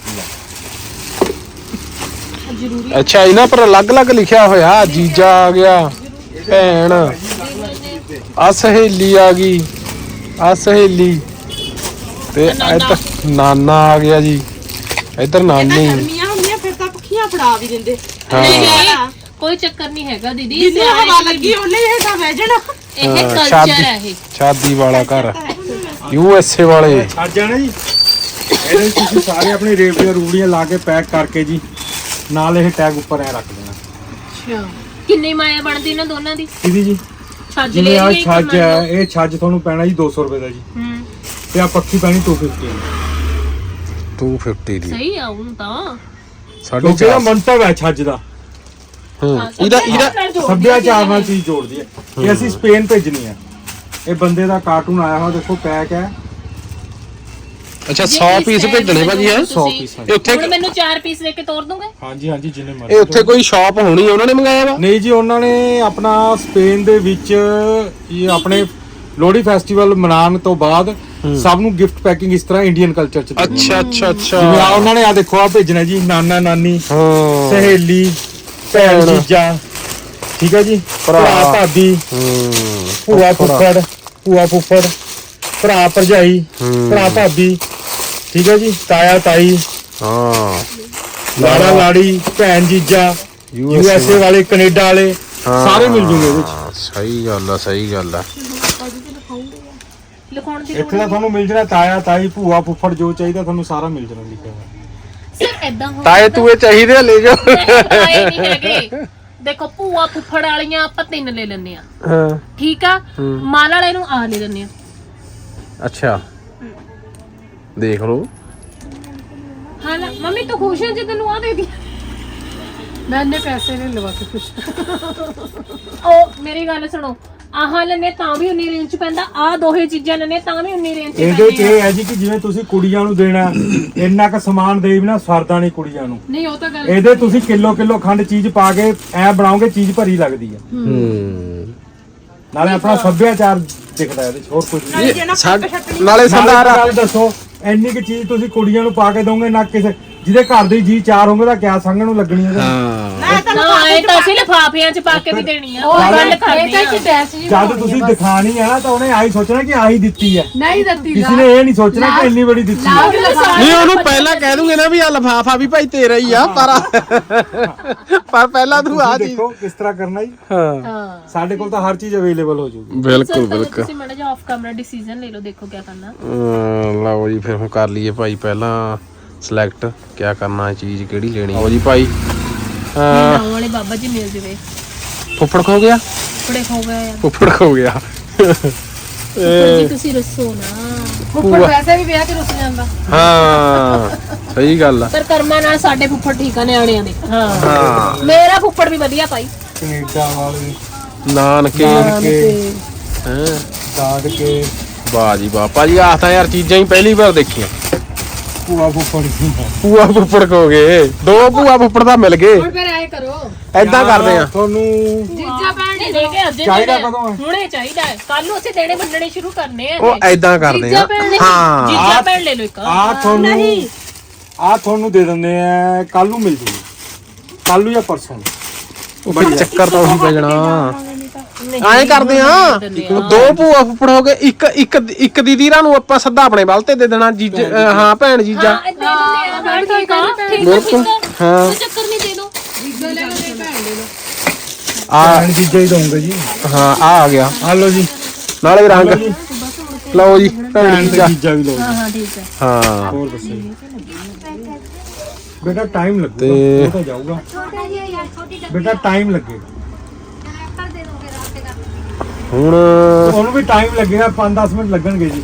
ਜ਼ਰੂਰੀ ਅੱਛਾ ਇਹਨਾਂ ਪਰ ਅਲੱਗ-ਅਲੱਗ ਲਿਖਿਆ ਹੋਇਆ ਜੀਜਾ ਆ ਗਿਆ ਭੈਣ ਆ ਸਹੇਲੀ ਆ ਗਈ ਆ ਸਹੇਲੀ ਤੇ ਇੱਧਰ ਨਾਨਾ ਆ ਗਿਆ ਜੀ ਇੱਧਰ ਨਾਨੀ ਗਰਮੀਆਂ ਹੁੰਦੀਆਂ ਫਿਰ ਤਾਂ ਪੱਖੀਆਂ ਫੜਾ ਵੀ ਦਿੰਦੇ ਨਹੀਂ ਕੋਈ ਚੱਕਰ ਨਹੀਂ ਹੈਗਾ ਦੀਦੀ ਜਿੰਨੀ ਹਵਾ ਲੱਗੀ ਉਹਨੇ ਇਹ ਤਾਂ ਵਹਿ ਜਾਣਾ ਇਹ ਕਲਚਰ ਹੈ ਇਹ ਸ਼ਾਦੀ ਵਾਲਾ ਘਰ USA ਵਾਲੇ ਛੱਜ ਆ ਨਾ ਜੀ ਇਹਦੇ ਵਿੱਚ ਤੁਸੀਂ ਸਾਰੇ ਆਪਣੇ ਰੇਵੜੀਆਂ ਰੂੜੀਆਂ ਲਾ ਕੇ ਪੈਕ ਕਰਕੇ ਜੀ ਨਾਲ ਇਹ ਟੈਗ ਉੱਪਰ ਐ ਰੱਖ ਦੇਣਾ ਅੱਛਾ ਕਿੰਨੀ ਮਾਇਆ ਬਣਦੀ ਇਹਨਾਂ ਦੋਨਾਂ ਦੀ ਕਿਹਦੀ ਜੀ ਛੱਜ ਜਿਵੇਂ ਲੈ ਆ ਲਈ ਛੱਜ ਹੈ ਇਹ ਛੱਜ ਤੁਹਾਨੂੰ ਪੈਣਾ ਜੀ 200 ਰੁਪਏ ਦਾ ਜੀ ਤੇ ਆ ਪੱਖੀ ਪੈਣੀ 250 250 ਦੀ ਸਹੀ ਆ ਹੁਣ ਤਾਂ ਕਿਉਂਕਿ ਇਹਦਾ 450 ਮੰਤਵ ਹੈ ਛੱਜ ਦਾ ਇਹਦਾ ਸੱਭਿਆਚਾਰ ਨਾਲ ਚੀਜ਼ ਜੋੜਦੀ ਹੈ ਇਹ ਅਸੀਂ ਸਪੇਨ ਭੇਜਣੀ ਹੈ ਇਹ ਬੰਦੇ ਦਾ ਕਾਰਟੂਨ ਆਇਆ ਹੋਇਆ ਦੇਖੋ ਪੈਕ ਹੈ ਅੱਛਾ 100 ਪੀਸ ਭੇਜਣੇ ਭਾਜੀ ਹੈ 100 ਪੀਸ ਇਹ ਉੱਥੇ ਹੁਣ ਮੈਨੂੰ 4 ਪੀਸ ਦੇ ਕੇ ਤੋਰ ਦੋਗੇ ਹਾਂਜੀ ਹਾਂਜੀ ਜਿੰਨੇ ਇਹ ਮਰਜ਼ੀ ਉੱਥੇ ਕੋਈ ਸ਼ਾਪ ਹੋਣੀ ਉਹਨਾਂ ਨੇ ਮੰਗਾਇਆ ਵਾ ਨਹੀਂ ਜੀ ਉਹਨਾਂ ਨੇ ਆਪਣਾ ਸਪੇਨ ਦੇ ਵਿੱਚ ਇਹ ਆਪਣੇ ਲੋਹੜੀ ਫੈਸਟੀਵਲ ਮਨਾਉਣ ਤੋਂ ਬਾਅਦ ਸਭ ਨੂੰ ਗਿਫਟ ਪੈਕਿੰਗ ਇਸ ਤਰ੍ਹਾਂ ਇੰਡੀਅਨ ਕਲਚਰ ਚ ਦਿੰਦੇ ਨੇ। ਅੱਛਾ ਜਿਵੇਂ ਆ ਉਹਨਾਂ ਨੇ ਆ ਦੇਖੋ ਆ ਭੇਜਣਾ ਜੀ ਨਾਨਾ ਨਾਨੀ ਹਾਂ ਸਹੇਲੀ ਭੈਣ ਜੀਜਾ ਠੀਕ ਹੈ ਜੀ ਭਰਾ ਭਾਬੀ ਭੂਆ ਫੁੱਫੜ ਭੂਆ ਫੁੱਫੜ ਭਰਾ ਭਰਜਾਈ ਭਰਾ ਭਾਬੀ ਠੀਕ ਹੈ ਜੀ ਤਾਇਆ ਤਾਈ ਹਾਂ ਲਾੜਾ ਲਾੜੀ ਭੈਣ ਜੀਜਾ USA ਵਾਲੇ ਕੈਨੇਡਾ ਵਾਲੇ ਸਾਰੇ ਮਿਲ ਜੂਗੇ ਇਹਦੇ ਵਿੱਚ ਸਹੀ ਗੱਲ ਆ ਸਹੀ ਗੱਲ ਆ ਲਿਖਾਉਣ ਦੀ ਇੱਥੇ ਤਾਂ ਤੁਹਾਨੂੰ ਮਿਲ ਜਾਣਾ ਤਾਇਆ ਤਾਈ ਭੂਆ ਫੁੱਫੜ ਜੋ ਚਾਹੀਦਾ ਤੁਹਾਨੂੰ ਸਾਰਾ ਮਿਲ ਜਾਣਾ ਲਿਖਿਆ ਹੋਇਆ ਸਿਰ ਐਦਾਂ ਹੋ ਤਾਏ ਤੂਏ ਚਾਹੀਦੇ ਆ, ਲੈ ਜਾ ਆਏ ਨਹੀਂ ਹੈਗੇ ਦੇਖੋ ਭੂਆ ਫੁੱਫੜ ਵਾਲੀਆਂ ਆਪਾਂ 3 ਲੈ ਲੈਣੇ ਆ ਹਾਂ ਠੀਕ ਆ ਮਾਲ ਵਾਲੇ ਨੂੰ ਆ ਲੈ ਲੈਣੇ ਆ ਅੱਛਾ ਦੇਖ ਲਓ ਹਾਂ ਨਾ ਮੰਮੀ ਤੂੰ ਖੁਸ਼ ਹੈ ਜੇ ਤੈਨੂੰ ਆ ਦੇ ਦੀ ਮੈਂ ਇੰਨੇ ਪੈਸੇ ਨਹੀਂ ਲਵਾ ਕੇ ਕੁਛ ਉਹ ਮੇਰੀ ਗੱਲ ਸੁਣੋ ਆਹ ਲੈਣੇ ਤਾਂ ਵੀ 19 ਰੇਂਜ ਚ ਪੈਂਦਾ ਆ ਦੋਹੇ ਚੀਜ਼ਾਂ ਲੈਣੇ ਤਾਂ ਵੀ 19 ਰੇਂਜ ਚ ਇਹਦੇ ਚ ਇਹ ਹੈ ਜੀ ਕਿ ਜਿਵੇਂ ਤੁਸੀਂ ਕੁੜੀਆਂ ਨੂੰ ਦੇਣਾ ਇੰਨਾ ਕ ਸਮਾਨ ਦੇ ਵੀ ਨਾ ਸਰਦਾ ਨਹੀਂ ਕੁੜੀਆਂ ਨੂੰ ਨਹੀਂ ਉਹ ਤਾਂ ਗੱਲ ਇਹਦੇ ਤੁਸੀਂ ਕਿਲੋ ਖੰਡ ਚੀਜ਼ ਪਾ ਕੇ ਐ ਬਣਾਓਗੇ ਚੀਜ਼ ਭਰੀ ਲੱਗਦੀ ਹੈ ਨਾਲੇ ਆਪਣਾ ਸੱਭਿਆਚਾਰ ਦਿਖਦਾ ਇਹਦੇ ਚ ਹੋਰ ਕੁਝ ਨਹੀਂ ਨਾਲੇ ਨਾਲੇ ਸਰਦਾਰ ਗੱਲ ਦੱਸੋ ਇੰਨੀ ਕੁ ਚੀਜ਼ ਤੁਸੀਂ ਕੁੜੀਆਂ ਨੂੰ ਪਾ ਕੇ ਦੋਗੇ ਨਾ ਕਿਸੇ ਜਿਹਦੇ ਘਰ ਦੇ ਜੀ ਚਾਰ ਹੋਣਗੇ ਤਾਂ ਕਿਆ ਸੰਗਣ ਨੂੰ ਲੱਗਣੀ ਹੈ ਨਾ ਇਹ ਤਾਂ ਅਸੀਂ ਲਿਫਾਫਿਆਂ 'ਚ ਪਾ ਕੇ ਵੀ ਦੇਣੀ ਆ ਉਹ ਗੱਲ ਕਰਨੀ ਆ ਜਦ ਤੁਸੀਂ ਦਿਖਾਣੀ ਆ ਨਾ ਤਾਂ ਉਹਨੇ ਆਹੀ ਸੋਚਣਾ ਕਿ ਆਹੀ ਦਿੱਤੀ ਹੈ ਨਹੀਂ ਦਿੱਤੀ ਕਿਸੇ ਨੇ ਇਹ ਨਹੀਂ ਸੋਚਣਾ ਕਿ ਇੰਨੀ ਬੜੀ ਦਿੱਤੀ ਹੈ ਨਹੀਂ ਉਹਨੂੰ ਪਹਿਲਾਂ ਕਹਿ ਦੂੰਗੇ ਨਾ ਵੀ ਆ ਲਫਾਫਾ ਵੀ ਭਾਈ ਤੇਰਾ ਹੀ ਆ ਪਰ ਪਹਿਲਾਂ ਤੂੰ ਆ ਚੀਜ਼ ਦੇਖੋ ਕਿਸ ਤਰ੍ਹਾਂ ਕਰਨਾ ਜੀ ਹਾਂ ਸਾਡੇ ਕੋਲ ਤਾਂ ਹਰ ਚੀਜ਼ ਅਵੇਲੇਬਲ ਹੋ ਜਾਊਗੀ ਬਿਲਕੁਲ ਬਿਲਕੁਲ ਤੁਸੀਂ ਮਾੜਾ ਜਿਹਾ ਆਫ ਕੈਮਰਾ ਡਿਸੀਜਨ ਲੈ ਲਓ ਦੇਖੋ ਕੀ ਕਰਨਾ ਲਓ ਜੀ ਫਿਰ ਹੁਣ ਕਰ ਲਈਏ ਭਾਈ ਪਹਿਲਾਂ ਸਿਲੈਕਟ ਕਿਆ ਕਰਨਾ ਹੈ ਚੀਜ਼ ਕਿਹੜੀ ਲੈਣੀ ਹੋ ਜੀ ਭਾਈ ਨਾਉ ਵਾਲੇ ਬਾਬਾ ਜੀ ਮਿਲ ਜਵੇ ਫੁੱਫੜ ਖੋ ਗਿਆ ਫੜੇ ਹੋ ਗਏ ਯਾਰ ਫੁੱਫੜ ਖੋ ਗਿਆ ਜੀ ਤੁਸੀਂ ਰਸੋ ਨਾ ਉੱਪਰ ਵੈਸੇ ਵੀ ਵਿਆਹ ਕੇ ਰੁੱਸ ਜਾਂਦਾ ਹਾਂ ਸਹੀ ਗੱਲ ਆ ਪਰ ਕਰਮਾਂ ਨਾਲ ਸਾਡੇ ਫੁੱਫੜ ਠੀਕ ਆ ਨਿਆਣਿਆਂ ਦੇ ਹਾਂ ਹਾਂ ਮੇਰਾ ਫੁੱਫੜ ਵੀ ਵਧੀਆ ਭਾਈ ਕੈਨੇਡਾ ਵਾਲੇ ਨਾਨਕੇ ਕੇ ਹੈਂ ਦਾਦ ਕੇ ਵਾਹ ਜੀ ਵਾਹ ਭਾਜੀ ਆਹ ਤਾਂ ਯਾਰ ਚੀਜ਼ਾਂ ਹੀ ਪਹਿਲੀ ਵਾਰ ਦੇਖੀਆਂ ਭੂਆ ਫੁੱਫੜ ਦੀ ਭੂਆ ਫੁੱਫੜ ਖੋ ਗਏ ਦੋ ਭੂਆ ਫੁੱਫੜ ਤਾਂ ਮਿਲ ਗਏ ਹੁਣ ਫਿਰ ਐ ਕਰੋ ਐਦਾਂ ਕਰਦੇ ਆ ਤੁਹਾਨੂੰ ਜੀਜਾ ਭੈਣ ਨਹੀਂ ਲੈ ਕੇ ਅੱਜ ਚਾਹੀਦਾ ਕਦੋਂ ਹੈ ਹੁਣੇ ਚਾਹੀਦਾ ਹੈ ਕੱਲ ਨੂੰ ਅਸੀਂ ਦੇਣੇ ਵੰਡਣੇ ਸ਼ੁਰੂ ਕਰਨੇ ਆ ਉਹ ਐਦਾਂ ਕਰਦੇ ਜੀਜਾ ਆ ਭੈਣ ਨੇ ਹਾਂ ਜੀਜਾ ਭੈਣ ਲੈ ਲਓ ਇੱਕ ਆ ਤੁਹਾਨੂੰ ਦੇ ਦਿੰਦੇ ਆ ਕੱਲ ਨੂੰ ਮਿਲ ਜੂਗੀ ਕੱਲ ਨੂੰ ਜਾਂ ਪਰਸੋਂ ਨੂੰ। ਉਹ ਫਿਰ ਚੱਕਰ ਤਾਂ ਉਹੀ ਪੈ ਜਾਣਾ ਐਂ ਕਰਦੇ ਆ ਦੋ ਭੂਆ ਫੁੱਫੜ ਹੋ ਗਏ ਇੱਕ ਇੱਕ ਇੱਕ ਦੀਦੀਰਾਂ ਨੂੰ ਆਪਾਂ ਸੱਦਾ ਆਪਣੇ ਵੱਲ ਤੇ ਦੇ ਦੇਣਾ ਜੀਜਾ ਹਾਂ ਭੈਣ ਜੀਜਾ ਹਾਂ ਦੇ ਦਿੰਦੇ ਆ ਭੈਣ ਠੀਕ ਆ ਠੀਕ ਬਿਲਕੁਲ ਹਾਂ ਕੋਈ ਚੱਕਰ ਨਹੀਂ ਦੇ ਦੋ ਜੀਜਾ ਲੈ ਲਓ ਤੇ ਭੈਣ ਲੈ ਲਓ ਆ ਭੈਣ ਜੀਜਾ ਹੀ ਦਊਂਗਾ ਜੀ ਹਾਂ ਆ ਗਿਆ ਆ ਲਓ ਜੀ ਨਾਲੇ ਰੰਗ ਲਓ ਜੀ ਭੈਣ ਭੈਣ ਜੀਜਾ ਤੇ ਜੀਜਾ ਵੀ ਲਓ ਹਾਂ ਹਾਂ ਠੀਕ ਹੈ ਹਾਂ ਹੋਰ ਦੱਸੋ ਜੀ। ਬੇਟਾ ਟਾਈਮ ਲੱਗੂਗਾ ਤੇ- ਉਹ ਤਾਂ ਜਾਊਗਾ ਬੇਟਾ ਟਾਈਮ ਲੱਗੇਗਾ ਹੁਣ ਉਹਨੂੰ ਵੀ ਟਾਈਮ ਲੱਗੇਗਾ 5-10 ਮਿੰਟ ਲੱਗਣਗੇ ਜੀ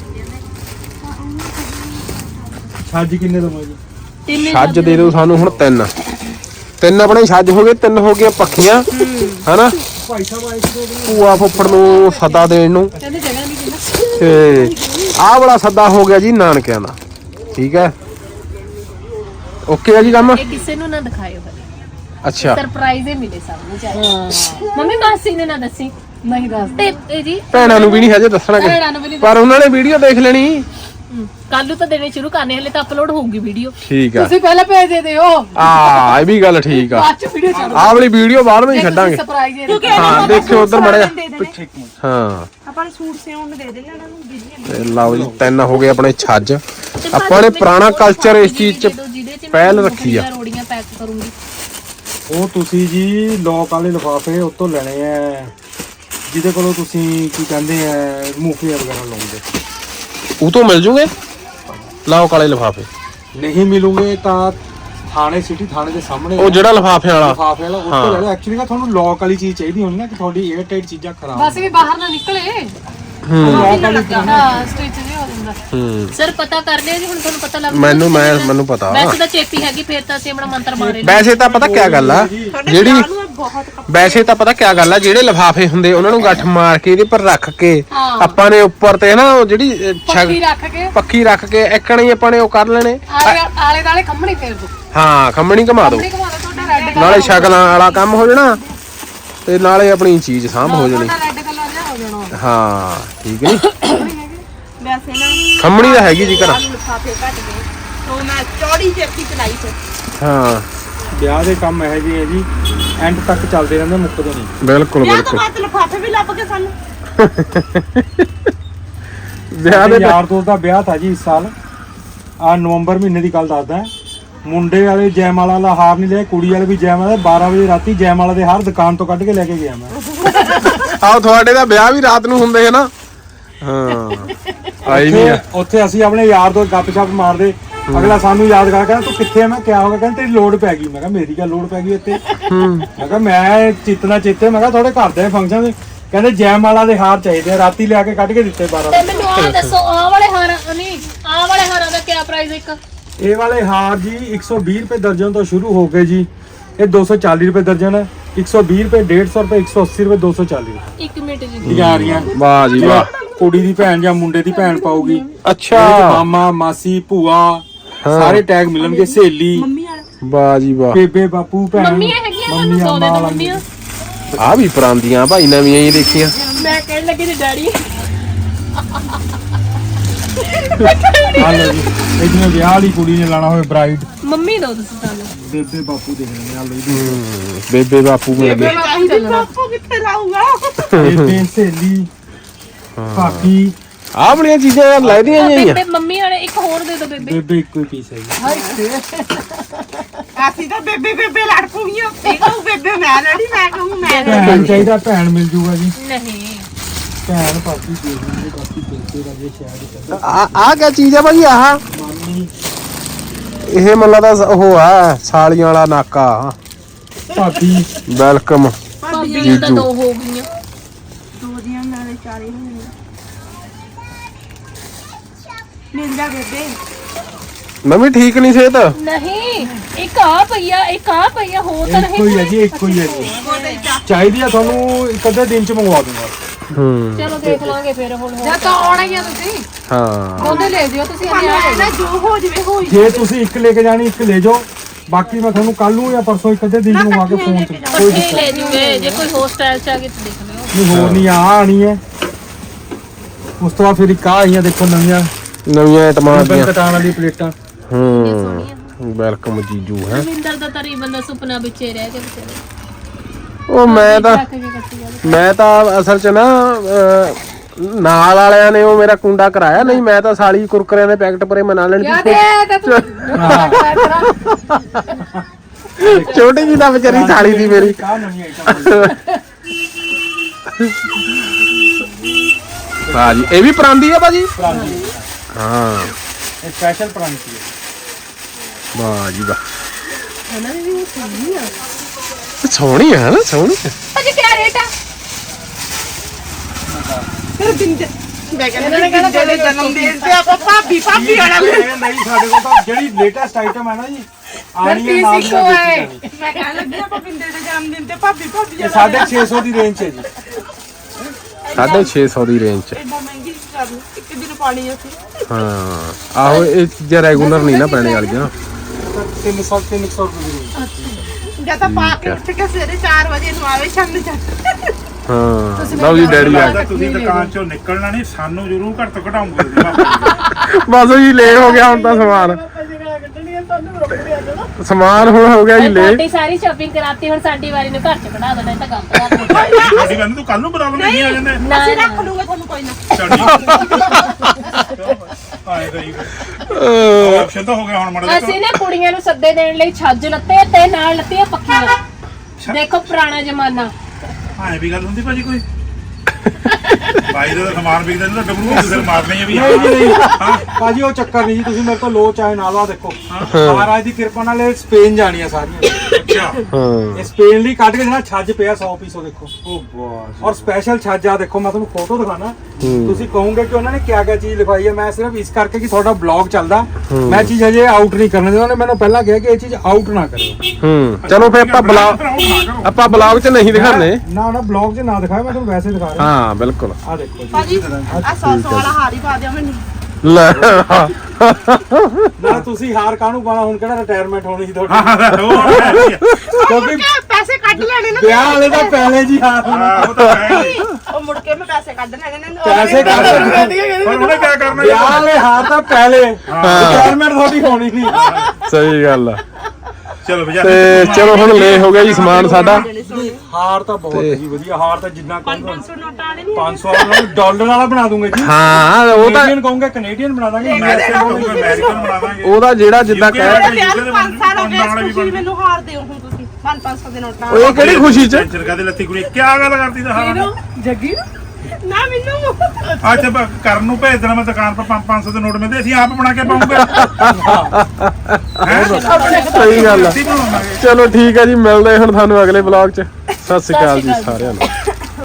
ਛੱਜ ਕਿੰਨੇ ਦਵਾਂ ਜੀ ਤਿੰਨੇ ਛੱਜ ਦੇ ਦਿਓ ਸਾਨੂੰ ਹੁਣ ਤਿੰਨ ਆਪਣੇ ਛੱਜ ਹੋ ਗਏ ਤਿੰਨ ਹੋ ਗਈਆਂ ਪੱਖੀਆਂ ਹਨਾ ਭਾਈ ਸਾਹਿਬ ਆਏ ਸੀ ਭੂਆ ਫੁੱਫੜ ਨੂੰ ਸੱਦਾ ਦੇਣ ਨੂੰ ਕਹਿੰਦੇ ਜਗ੍ਹਾ ਨਹੀਂ ਕਿੰਨਾ ਤੇ ਆਹ ਵਾਲਾ ਸੱਦਾ ਹੋ ਗਿਆ ਜੀ ਨਾਨਕਿਆਂ ਦਾ ਠੀਕ ਹੈ ਓਕੇ ਆ ਜੀ ਕੰਮ ਇਹ ਕਿਸੇ ਨੂੰ ਨਾ ਦਿਖਾਇਓ ਹਲੇ ਅੱਛਾ ਸਰਪ੍ਰਾਈਜ਼ ਹੀ ਮਿਲੇ ਸਭ ਨੂੰ ਚਾਹੀਦਾ ਮੰਮੀ ਮਾਸੀ ਨੇ ਨਾ ਦੱਸੀ ਨਹੀਂ ਦੱਸ ਤੇ ਇਹ ਜੀ ਭੈਣਾਂ ਨੂੰ ਵੀ ਨਹੀਂ ਹਜੇ ਦੱਸਣਗੇ ਭੈਣਾਂ ਨੂੰ ਵੀ ਨਹੀਂ ਪਰ ਉਹਨਾਂ ਨੇ ਵੀਡੀਓ ਦੇਖ ਲੈਣੀ ਕੱਲ ਨੂੰ ਤਾਂ ਦੇਣੇ ਸ਼ੁਰੂ ਕਰਨੇ ਹਲੇ ਤਾਂ ਅਪਲੋਡ ਹੋਊਗੀ ਵੀਡੀਓ ਠੀਕ ਆ ਤੁਸੀਂ ਪਹਿਲਾਂ ਭੇਜ ਦੇ ਦਿਓ ਆ ਇਹ ਵੀ ਗੱਲ ਠੀਕ ਆ ਬਾਅਦ ਚ ਵੀਡੀਓ ਚੱਲ ਆਹ ਵਾਲੀ ਵੀਡੀਓ ਬਾਅਦ ਵਿੱਚ ਛੱਡਾਂਗੇ ਸਰਪ੍ਰਾਈਜ਼ ਇਹ ਹਾਂ ਦੇਖਿਓ ਉਧਰ ਮੜਿਆ ਹਾਂ ਆਪਾਂ ਨੂੰ ਸੂਟ ਸਿਉਣ ਨੂੰ ਦੇ ਦੇਣਾ ਇਹਨਾਂ ਨੂੰ ਬਿਜਲੀ ਤੇ ਲਓ ਜੀ ਤਿੰਨ ਹੋ ਗਏ ਆਪਣੇ ਛੱਜ ਆਪਾਂ ਨੇ ਪੁਰਾਣਾ ਕਲਚਰ ਇਸ ਚੀਜ਼ 'ਚ ਪਹਿਲ ਰੱਖੀ ਆ ਰੋੜੀਆਂ ਪੈਕ ਕਰੂੰਗੀ ਉਹ ਤੁਸੀਂ ਜੀ ਲੋਕ ਵਾਲੇ ਲਿਫਾਫੇ ਉਤੋਂ ਲੈਣੇ ਆ ਜਿਹਦੇ ਕੋਲੋਂ ਤੁਸੀਂ ਕੀ ਕਹਿੰਦੇ ਆ ਮੂੰਗਫਲੀਆਂ ਵਗੈਰਾ ਲਾਉਂਦੇ ਉਹ ਤੋਂ ਮਿਲ ਜੂਗੇ ਲਾਓ ਕਾਲੇ ਲਿਫਾਫੇ ਨਹੀਂ ਮਿਲੂਗੇ ਤਾਂ ਥਾਣੇ ਸਿਟੀ ਥਾਣੇ ਦੇ ਸਾਹਮਣੇ ਉਹ ਜਿਹੜਾ ਲਿਫਾਫਿਆਂ ਵਾਲਾ ਲਿਫਾਫੇ ਵਾਲਾ ਉੱਤੋਂ ਲੈ ਲਓ ਐਕਚੁਅਲੀ ਨਾ ਤੁਹਾਨੂੰ ਲੋਕ ਵਾਲੀ ਚੀਜ਼ ਚਾਹੀਦੀ ਹੋਣੀ ਨਾ ਕਿ ਤੁਹਾਡੀ 에ਅਰ ਟਾਈਟ ਚੀਜ਼ਾਂ ਖਰਾਬ ਬਸ ਵੀ ਬਾਹਰ ਨਾ ਨਿਕਲੇ ਲੋਕ ਵਾਲੀ ਹਾਂ ਸਟਿਚ ਨਹੀਂ ਹੋ ਜਾਂਦਾ ਹੂੰ ਸਰ ਪਤਾ ਕਰ ਲਿਆ ਜੀ ਹੁਣ ਤੁਹਾਨੂੰ ਪਤਾ ਲੱਗ ਮੈਨੂੰ ਪਤਾ ਵੈਸੇ ਤਾਂ ਚੇਪੀ ਹੈਗੀ ਫੇਰ ਤਾਂ ਅਸੀਂ ਆਪਣਾ ਮੰਤਰ ਮਾਰੇ ਵੈਸੇ ਤਾਂ ਪਤਾ ਕਿਆ ਗੱਲ ਆ ਜਿਹੜੀ ਵੈਸੇ ਤਾਂ ਪਤਾ ਕਿਆ ਗੱਲ ਆ ਜਿਹੜੇ ਲਿਫਾਫੇ ਹੁੰਦੇ ਉਹਨਾਂ ਨੂੰ ਗੱਠ ਮਾਰ ਕੇ ਇਹਦੇ ਪਰ ਰੱਖ ਕੇ ਆਪਾਂ ਨੇ ਉੱਪਰ ਤੇ ਨਾ ਉਹ ਜਿਹੜੀ ਪੱਕੀ ਰੱਖ ਕੇ ਪੱਕੀ ਰੱਖ ਕੇ ਇੱਕਣ ਹੀ ਆਪਾਂ ਨੇ ਉਹ ਕਰ ਲੈਣੇ ਆਲੇ ਦਾਲੇ ਖੰਮਣੀ ਫੇਰ ਦੋ ਹਾਂ ਖੰਮਣੀ ਘਮਾ ਦਿਓ ਖੰਮਣੀ ਘੁਮਾ ਦੋ ਤੁਹਾਡਾ ਰੈੱਡ ਨਾਲੇ ਸ਼ਕਲਾਂ ਵਾਲਾ ਕੰਮ ਹੋ ਜਾਣਾ ਤੇ ਨਾਲੇ ਆਪਣੀ ਚੀਜ਼ ਸਾਂਭ ਹੋ ਜਾਣੀ ਤੁਹਾਡਾ ਰੈੱਡ ਕਲਰ ਜਿਹਾ ਹੋ ਜਾਣਾ ਹਾਂ ਠੀਕ ਨੀ ਵੈਸੇ ਨਾ ਖੰਮਣੀ ਤਾਂ ਹੈਗੀ ਜੀ ਘਰ ਆਲੂ ਲਿਫਾਫੇ ਘੱਟ ਗਏ ਤੋਂ ਮੈਂ ਚੌੜੀ ਚੇਪੀ ਚਲਾਈ ਸੀ ਹਾਂ ਵਿਆਹ ਦੇ ਕੰਮ ਇਹੋ ਜਿਹੇ ਆ ਜੀ ਐਂਡ ਤੱਕ ਚੱਲਦੇ ਰਹਿੰਦੇ ਮੁੱਕਦੇ ਨਹੀਂ ਬਿਲਕੁਲ ਵਿਆਹ ਤੋਂ ਬਿਲਕੁਲ ਬਾਅਦ ਲਿਫਾਫੇ ਵੀ ਲੱਭ ਗਏ ਸਾਨੂੰ ਵਿਆਹ ਦੇ ਯਾਰ ਦੋਸਤ ਦਾ ਵਿਆਹ ਥਾ ਜੀ ਇਸ ਸਾਲ ਆ ਨਵੰਬਰ ਮਹੀਨੇ ਦੀ ਗੱਲ ਦੱਸਦਾ ਮੁੰਡੇ ਵਾਲੇ ਜੈਮਾਲਾ ਵਾਲਾ ਹਾਰ ਨਹੀਂ ਲਿਆ ਕੁੜੀ ਵਾਲੇ ਵੀ ਜੈਮਾਲਾ 12 ਵਜੇ ਰਾਤੀ ਜੈਮਾਲਾ ਦੇ ਹਾਰ ਦੁਕਾਨ ਤੋਂ ਕੱਢ ਕੇ ਲੈ ਕੇ ਗਿਆ ਮੈਂ ਆਹ ਤੁਹਾਡੇ ਦਾ ਵਿਆਹ ਵੀ ਰਾਤ ਨੂੰ ਹੁੰਦੇ ਹੈ ਨਾ ਹਾਂ ਆਈ ਨਹੀਂ ਆ ਉੱਥੇ ਅਸੀਂ ਆਪਣੇ ਯਾਰ ਦੋਸਤ ਗੱਪਸ਼ਪ ਮਾਰਦੇ ਅਗਲਾ ਸਾਨੂੰ ਯਾਦ ਕਰ ਕਹਿੰਦਾ ਤੂੰ ਕਿੱਥੇ ਆ ਮੈਂ ਕਿਹਾ ਹੋਗਾ ਕਹਿੰਦਾ ਤੇਰੀ ਲੋੜ ਪੈ ਗਈ ਮੈਂ ਕਿਹਾ ਮੇਰੀ ਗੱਲ ਲੋੜ ਪੈ ਗਈ ਇੱਥੇ ਮੈਂ ਕਿਹਾ ਮੈਂ ਚਿੱਤਨਾ ਚਿੱਤੇ ਮੈਂ ਕਿਹਾ ਤੁਹਾਡੇ ਘਰ ਦੇ ਫੰਕਸ਼ਨ ਕਹਿੰਦੇ ਜੈਮਾਲਾ ਦੇ ਹਾਰ ਚਾਹੀਦੇ ਆ ਰਾਤੀ ਲਿਆ ਕੇ ਕੱਢ ਕੇ ਦਿੱਤੇ 12 ਤੇ ਮੈਨੂੰ ਆਹ ਦੱਸੋ ਆਹ ਵਾਲੇ ਹਾਰਾਂ ਨਹੀਂ ਆਹ ਵਾਲੇ ਹਾਰਾਂ ਦਾ ਕੀ ਪ੍ਰਾਈਸ ਇੱਕ ਇਹ ਵਾਲੇ ਹਾਰ ਜੀ 120 ਰੁਪਏ ਦਰਜਨ ਤੋਂ ਸ਼ੁਰੂ ਹੋ ਕੇ ਜੀ ਇਹ 240 ਰੁਪਏ ਦਰਜਨ ਹੈ 120 ਰੁਪਏ 150 ਰੁਪਏ 180 ਰੁਪਏ 240 ਰੁਪਏ ਇੱਕ ਮਿੰਟ ਜੀ ਯਾਰੀਆਂ ਵਾਹ ਜੀ ਵਾਹ ਕੁੜੀ ਦੀ ਭੈਣ ਜਾਂ ਮੁੰਡੇ ਦੀ ਭੈਣ ਪਾਉਗੀ ਅੱਛਾ ਮਾਮਾ ਮਾਸੀ ਭੂਆ ਸਾਰੇ ਟੈਗ ਮਿਲਣਗੇ ਸਹੇਲੀ ਵਾਹ ਜੀ ਵਾਹ ਬੇਬੇ ਬਾਪੂ ਭੈਣ ਮੰਮੀਆਂ ਹੈਗੀਆਂ ਤੁਹਾਨੂੰ ਸੌਦੇ ਤੋਂ ਮੰਮੀਆਂ ਆ ਵੀ ਪਰਾਂਦੀਆਂ ਭਾਈ ਨਵੀਆਂ ਹੀ ਦੇਖੀਆਂ ਮੈਂ ਕਹਿਣ ਲੱਗੀ ਤੇ ਡੈਡੀ ਆ ਲਓ ਜੀ ਇਹ ਜਿਵੇਂ ਵਿਆਹ ਵਾਲੀ ਕੁੜੀ ਨੇ ਲਾਣਾ ਹੋਵੇ ਬ੍ਰਾਈਡ ਮੰਮੀ ਦੋ ਤੁਸੀਂ ਸਾਨੂੰ ਬੇਬੇ ਬਾਪੂ ਦੇਖ ਲੈਣੇ ਆ ਲਓ ਜੀ ਬੇਬੇ ਬਾਪੂ ਮਿਲ ਗਏ ਚਾਹੀਦੀ ਬਾਪੂ ਕਿੱਥੇ ਲਾਊਗਾ ਬੇਬੇ ਸਹੇਲੀ ਭਾਬੀ ਆਹ ਬੜੀਆਂ ਚੀਜ਼ਾਂ ਯਾਰ ਲੈਦੀਆਂ ਜਿਹੀਆਂ ਬੇਬੇ ਮੰਮੀ ਵਾਲੇ ਇੱਕ ਹੋਰ ਦੇ ਦਿਓ ਬੇਬੇ ਬੇਬੇ ਇੱਕੋ ਹੀ ਪੀਸ ਹੈ ਜੀ ਅਸੀਂ ਤਾਂ ਬੇਬੇ ਬੇਬੇ ਲੜ ਪੂਗੀਆਂ ਇਹ ਕਹੂ ਬੇਬੇ ਮੈਂ ਲੜੀ ਮੈਂ ਕਹੂੰ ਮੈਂ ਭੈਣ ਚਾਹੀਦਾ ਭੈਣ ਮਿਲ ਜੂਗਾ ਜੀ ਨਹੀਂ ਭੈਣ ਭਾਬੀ ਦੇਖ ਲੈਂਦੇ ਬਾਕੀ ਬੇਬੇ ਦਾ ਜੇ ਸ਼ਾਇਦ ਆਹ ਕਿਆ ਚੀਜ਼ ਆ ਭਾਈ ਆਹ ਮਾਮੀ ਇਹ ਮੈਨੂੰ ਲੱਗਦਾ ਉਹ ਆ ਸਾਲੀਆਂ ਵਾਲਾ ਨਾਕਾ ਭਾਬੀ ਵੈਲਕਮ ਭਾਬੀਆਂ ਤਾਂ 2 ਹੋ ਗਈਆਂ ਦੋ ਦੀਆਂ ਨਾਲੇ ਚਾਰੇ ਹੋਣੀਆਂ ਮਿਲ ਜਾ ਬੇਬੇ ਨਵੀਂ ਠੀਕ ਨਹੀਂ ਸਿਹਤ ਨਹੀਂ ਇੱਕ ਆ ਪਈਆ ਹੋ ਤਾਂ ਇੱਕੋ ਹੀ ਹੈ ਜੀ ਇੱਕੋ ਹੀ ਹੈ ਜੀ ਚਾਹੀਦੀ ਆ ਤੁਹਾਨੂੰ ਇੱਕ ਅੱਧੇ ਦਿਨ ਚ ਮੰਗਵਾ ਦੂੰਗਾ ਹੂੰ ਚਲੋ ਦੇਖ ਲਾਂਗੇ ਫਿਰ ਹੁਣ ਜਾਂ ਤਾਂ ਆਉਣਾ ਹੀ ਆ ਤੁਸੀਂ ਹਾਂ ਉਹਦੇ ਲੈ ਜਿਓ ਤੁਸੀਂ ਨਾ ਜੋ ਹੋ ਜਵੇ ਹੋਈ ਜੇ ਤੁਸੀਂ ਇੱਕ ਲੈ ਕੇ ਜਾਣੀ ਇੱਕ ਲੈ ਜਾਓ ਬਾਕੀ ਮੈਂ ਤੁਹਾਨੂੰ ਕੱਲ ਨੂੰ ਜਾਂ ਪਰਸੋਂ ਇੱਕ ਅੱਧੇ ਦਿਨ ਚ ਮੰਗਵਾ ਕੇ ਫੋਨ ਚ ਕੋਈ ਇਕੱਠੇ ਲੈ ਜੂਗੇ ਜੇ ਕੋਈ ਹੋਸਟਲ ਚ ਆ ਕੇ ਦੇਖ ਲਿਓ ਨਹੀਂ ਹੋਰ ਨਹੀਂ ਆ ਆਣੀ ਹੈ ਉਸ ਤੋਂ ਬਾਅਦ ਫਿਰ ਇੱਕ ਆ ਆਈਆਂ ਦੇਖੋ ਨਵੀਆਂ ਨਵੀਆਂ ਆਈਟਮਾਂ ਆ ਬਨ ਗਈਆਂ ਕਟਾਣ ਵਾਲੀ ਪਲੇਟਾਂ ਹੂੰ ਵੈਲਕਮ ਜੀਜੂ ਹੈ ਰਵਿੰਦਰ ਦਾ ਤਰੀ ਬੰਦਾ ਸੁਪਨਾ ਵਿੱਚੇ ਰਹਿ ਕੇ ਵਿਚਾਰੇ ਉਹ ਮੈਂ ਤਾਂ ਅਸਲ ਚ ਨਾ ਨਾਲ ਵਾਲਿਆਂ ਨੇ ਉਹ ਮੇਰਾ ਕੁੰਡਾ ਕਰਾਇਆ ਨਹੀਂ ਮੈਂ ਤਾਂ ਸਾਲੀ ਕੁਰਕਰਿਆਂ ਦੇ ਪੈਕਟ ਪਰੇ ਮਨਾ ਲੈਣ ਯਾ ਦੀ ਦੇ ਤਾਂ ਤੂੰ ਛੋਟੀ ਜੀ ਦਾ ਵਿਚਾਰੀ ਸਾਲੀ ਦੀ ਮੇਰੀ ਕਾ ਨਵੀਂ ਆਈਟਮ ਭਾਜੀ ਇਹ ਵੀ ਪਰਾਂਦੀ ਆ ਭਾਜੀ ਪ੍ਰਾਂਤੀ ਹਾਂ ਇਹ ਸਪੈਸ਼ਲ ਪ੍ਰਾਂਤੀ ਹੈ ਵਾਹ ਜੀ ਵਾਹ ਸੋਹਣੀ ਹੈ ਨਾ ਸੋਹਣੀ ਅਜੇ ਕਿਆ ਰੇਟ ਆ ਫਿਰ ਬਿੰਦੇ ਮੈਂ ਕਹਿੰਦਾ ਜਿਹੜੇ ਜਨਮ ਦਿਨ ਤੇ ਆਪਾਂ ਭਾਬੀ ਵਾਲਾ ਨਹੀਂ ਸਾਡੇ ਕੋਲ ਤਾਂ ਜਿਹੜੀ ਲੇਟੈਸਟ ਆਈਟਮ ਹੈ ਨਾ ਜੀ ਆਣੀ ਹੈ ਨਾਲ ਦੀ ਨਾਲ ਦੇਖੀ ਜਾਣੀ। ਮੈਂ ਕਹਿਣ ਲੱਗੀ ਆਪਾਂ ਬਿੰਦੇ ਦੇ ਜਨਮ ਦਿਨ ਤੇ ਭਾਬੀ ਇਹ 650 ਦੀ ਰੇਂਜ 'ਚ ਹੈ ਜੀ 650 ਦੀ ਰੇਂਜ ਚ ਇੰਨਾ ਮਹਿੰਗੀ ਕਰ ਲਓ ਇੱਕ ਦਿਨ ਪਾਣੀ ਅਸੀਂ ਹਾਂ ਆਹੋ ਇਹ ਚੀਜ਼ਾਂ ਰੈਗੂਲਰ ਨਹੀਂ ਨਾ ਪੈਣੇ ਵਾਲੀਆਂ 300 ਰੁਪਏ ਦੀ ਰੇਂਜ ਜਾਂ ਤਾਂ ਪਾ ਕੇ ਉੱਠ ਕੇ ਸਵੇਰੇ 4 ਵਜੇ ਨੂੰ ਆਵੇ ਸ਼ਾਮ ਨੂੰ ਚੱਕ ਹਾਂ ਲਓ ਜੀ ਡੈਡੀ ਆ ਗਏ। ਤੁਸੀਂ ਦੁਕਾਨ ਚੋਂ ਨਿਕਲਣਾ ਨਹੀਂ ਸਾਨੂੰ ਜ਼ਰੂਰ ਘੱਟ ਤੋਂ ਘਟਾਉਂਗੇ ਤੁਸੀਂ ਬਸ ਜੀ ਲੈ ਹੋ ਗਿਆ ਹੁਣ ਤਾਂ ਸਮਾਨ ਹੁਣ ਹੋ ਗਿਆ ਜੀ ਲੈ ਸਾਡੀ ਸਾਰੀ ਸ਼ਾਪਿੰਗ ਕਰਾਤੀ ਹੁਣ ਸਾਡੀ ਵਾਰੀ ਨੂੰ ਘਰ ਚ ਕਢਾ ਦੇਣਾ ਇਹ ਤਾਂ ਕੰਮ ਖਰਾਬ ਹੋ ਸਾਡੀ ਗੱਲ ਤੂੰ ਕੱਲ ਨੂੰ ਪ੍ਰੋਬਲਮ ਨਹੀਂ ਆ ਜਾਂਦੇ ਨਾ ਅਸੀਂ ਰੱਖ ਲੂਗੇ ਤੁਹਾਨੂੰ ਕੋਈ ਨਾ ਆਏ ਗਈ ਆਪਸ਼ਨ ਤਾਂ ਹੋ ਗਿਆ ਹੁਣ ਮੜਾ ਅਸੀਂ ਨਾ ਕੁੜੀਆਂ ਨੂੰ ਸੱਦੇ ਦੇਣ ਲਈ ਛੱਜ ਲੱਤੇ ਤੇ ਨਾਲ ਲੱਤੀਆਂ ਪੱਕੀਆਂ ਦੇਖੋ ਪੁਰਾਣਾ ਜ਼ਮਾਨਾ ਆਏ ਵੀ ਗੱਲ ਹੁੰਦੀ ਭਾਜੀ ਕੋਈ ਬਾਈ ਦਾ ਸਮਾਨ ਵਿਕਦਾ ਨਹੀਂ ਤਾਂ ਡਬਰੂ ਕਿਸੇ ਨੂੰ ਮਾਰਨੇ ਆ ਵੀ ਨਹੀਂ ਜੀ ਨਹੀਂ ਭਾਜੀ ਉਹ ਚੱਕਰ ਨਹੀਂ ਜੀ ਤੁਸੀਂ ਮੇਰੇ ਤੋਂ ਲੋ ਚਾਹੇ ਨਾ ਲਓ ਦੇਖੋ ਮਹਾਰਾਜ ਦੀ ਕਿਰਪਾ ਨਾਲ ਇਹ ਸਪੇਨ ਜਾਣੀਆਂ ਸਾਰੀਆਂ ਅੱਛਾ ਹਾਂ ਇਹ ਸਪੇਨ ਲਈ ਕੱਢ ਕੇ ਜਿਹੜਾ ਛੱਜ ਪਿਆ 100 ਪੀਸ ਉਹ ਦੇਖੋ ਉਹ ਬਾਸ ਔਰ ਸਪੈਸ਼ਲ ਛੱਜ ਆ ਦੇਖੋ ਮੈਂ ਤੁਹਾਨੂੰ ਫੋਟੋ ਦਿਖਾਣਾ ਤੁਸੀਂ ਕਹੋਗੇ ਕਿ ਉਹਨਾਂ ਨੇ ਕਿਆ ਕਿਆ ਚੀਜ਼ ਲਿਖਵਾਈ ਹੈ ਮੈਂ ਸਿਰਫ ਇਸ ਕਰਕੇ ਕਿ ਤੁਹਾਡਾ ਬਲੌਗ ਚੱਲਦਾ ਮੈਂ ਚੀਜ਼ ਹਜੇ ਆਊਟ ਨਹੀਂ ਕਰਨ ਦੇ ਉਹਨੇ ਮੈਨੂੰ ਪਹਿਲਾਂ ਕਿਹਾ ਕਿ ਇਹ ਚੀਜ਼ ਆਊਟ ਨਾ ਕਰਿਓ ਚਲੋ ਫੇ ਆਪਾਂ ਬਲੌਗ ਚ ਨਹੀਂ ਦਿਖਾਣੇ ਨਾ ਬਲੌਗ 'ਚ ਨਾ ਦਿਖਾਇਆ ਮੈਂ ਤੁਹਾਨੂੰ ਵੈਸੇ ਦਿਖਾ ਰਿਹਾ ਹਾਂ ਬਿਲਕੁਲ ਆ ਦੇਖੋ ਜੀ ਭਾਜੀ ਆ 100 ਵਾਲਾ ਹਾਰ ਹੀ ਪਾ ਦਿਓ ਮੈਨੂੰ ਲੈ ਨਾ ਤੁਸੀਂ ਹਾਰ ਕਾਹਨੂੰ ਪਾਣਾ ਹੁਣ ਕਿਹੜਾ ਰਿਟਾਇਰਮੈਂਟ ਹੋਣੀ ਸੀ ਤੁਹਾਡੀ ਕਿਉਂਕਿ ਪੈਸੇ ਕੱਢ ਲੈਣੇ ਨਾ ਵਿਆਹ ਵਾਲੇ ਤਾਂ ਪਹਿਲੇ ਜੀ ਹਾਰ ਉਹ ਤਾਂ ਹੈ ਹੀ। ਉਹ ਮੁੜ ਕੇ ਮੈਂ ਪੈਸੇ ਕੱਢ ਲੈਣੇ ਨੇ ਪੈਸੇ ਕੱਢ ਪਰ ਉਹਨੇ ਕੀ ਕਰਨਾ ਵਿਆਹ ਵਾਲੇ ਹਾਰ ਤਾਂ ਪਹਿਲੇ ਰਿਟਾਇਰਮੈਂਟ ਤੁਹਾਡੀ ਹੋਣੀ ਨਹੀਂ ਸਹੀ ਗੱਲ ਆ ਚਲੋ ਭਜਾ ਤੇ ਚਲੋ ਹੁਣ ਲੈ ਹੋ ਗਿਆ ਜੀ ਸਮਾਨ ਸਾਡਾ ਹਾਰ ਤਾਂ ਬਹੁਤ ਜੀ ਵਧੀਆ ਹਾਰ ਤਾਂ ਜਿੰਨਾ ਕਹੂੰਗਾ 500 ਨੋਟ ਆਣੇ ਨਹੀਂ 500 ਵਾਲਾ ਡਾਲਰ ਵਾਲਾ ਬਣਾ ਦੂੰਗੇ ਜੀ ਹਾਂ ਉਹ ਤਾਂ ਕੈਨੇਡੀਅਨ ਕਹੂੰਗਾ ਕੈਨੇਡੀਅਨ ਬਣਾ ਦਾਂਗੇ ਅਮਰੀਕਨ ਬਣਾਵਾਂਗੇ ਉਹਦਾ ਜਿਹੜਾ ਜਿੱਦਾਂ ਕਹਿ ਯਾਰ 5 ਸਾਲ ਹੋ ਗਏ ਤੁਸੀਂ ਮੈਨੂੰ ਹਾਰ ਦਿਓ ਹੁਣ ਤੁਸੀਂ 500 ਦੇ ਨੋਟਾਂ ਉਹ ਕਿਹੜੀ ਖੁਸ਼ੀ ਚ ਚਰਕਾ ਦੇ ਲੱਤੀ ਕੁੜੀ ਕੀ ਗੱਲ ਕਰਦੀ ਤਾਂ ਹਾਂ ਜੱਗੀ ਨਾ ਮੈਨੂੰ ਅੱਜ ਕਰਨ ਨੂੰ ਭੇਜ ਦੇਣਾ ਮੈਂ ਦੁਕਾਨ ਪਰ 500 ਦੇ ਨੋਟ ਮਿਲਦੇ ਅਸੀਂ ਆਪ ਬਣਾ ਕੇ ਪਾਉਂਗੇ ਸਹੀ ਗੱਲ ਆ ਚਲੋ ਠੀਕ ਹੈ ਜੀ ਮਿਲਦੇ ਹੁਣ ਤੁਹਾਨੂੰ ਅਗਲੇ ਵਲੌਗ ਚ ਸਤਿ ਸ਼੍ਰੀ ਅਕਾਲ ਜੀ ਸਾਰਿਆਂ ਨੂੰ